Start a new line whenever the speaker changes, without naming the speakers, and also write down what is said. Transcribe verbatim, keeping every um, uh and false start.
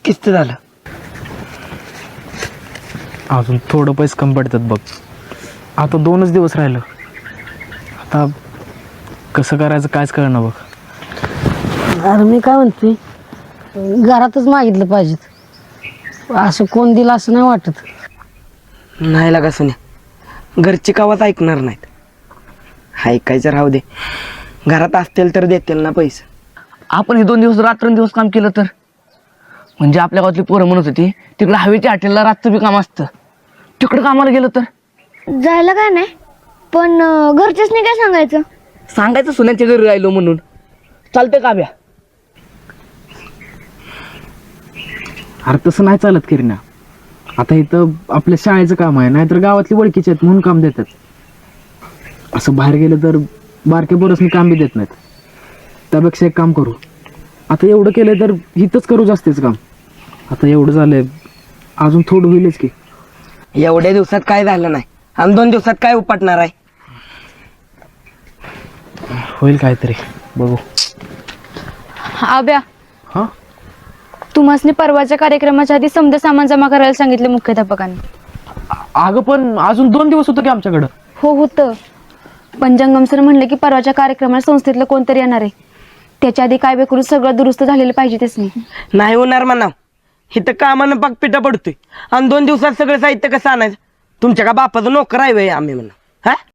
किस्त झालं.
अजून थोडं पैसे कमी पडतात बघ. आता दोनच दिवस राहिलं. आता कसं करायचं कायच कळना बघ.
अरे मी काय म्हणतोय, घरातच मागितलं पाहिजेत. असं कोण दिलं असं नाही वाटत.
नाही लागा सुन्या, घरची कावाच ऐकणार नाहीत. ऐकायचं राहू दे, घरात असतील तर देतील ना पैसे.
आपण हे दोन दिवस रात्रंदिवस काम केलं तर, म्हणजे आपल्या गावातली पोरं म्हणत होती तिकडे हवेच्या हॉटेलला रातचं बी काम असतं, तिकडं कामाला गेलं तर
जायला काय नाही, पण अं, घरच्याच नाही काय सांगायचं.
सांगायचं सुन्याच्या घरी राहिलो म्हणून. चालतंय का ब्या?
अरे तसं नाही चालत किरणा. आता इथं आपल्या शाळेचं काम आहे, नाहीतर गावातली ओळखीचे आहेत म्हणून काम देतात. असं बाहेर गेलं तर बारके पोरसनी काम बी देत नाहीत. त्यापेक्षा एक काम करू, आता एवढं केलं तर इथंच करू जास्तीच काम. आता एवढं झालंय, अजून थोडं होईलच की.
एवढ्या दिवसात काय झालं नाही आणि दोन दिवसात काय उपटणार आहे.
होईल काहीतरी, बघू.
आब्या,
हा
तुम्हासनी परवाच्या कार्यक्रमाच्या आधी समजा सामान जमा करायला सांगितले मुख्याध्यापकांनी.
अगं पण अजून दोन दिवस होतं की आमच्याकडं.
हो होतं, पण जंगम सर म्हणले की परवाच्या कार्यक्रमाला संस्थेतलं कोणतरी येणार आहे. त्याच्या आधी काय बे करून सगळं दुरुस्त झालेलं पाहिजे तेच नाही.
नाही होणार म्हणा, इथं कामानं पाक पिठा पडतोय आणि दोन दिवसात सगळं साहित्य कसं आणायचं. तुमच्या का बापाचं नोकर आहे वे आम्ही म्हणा. हा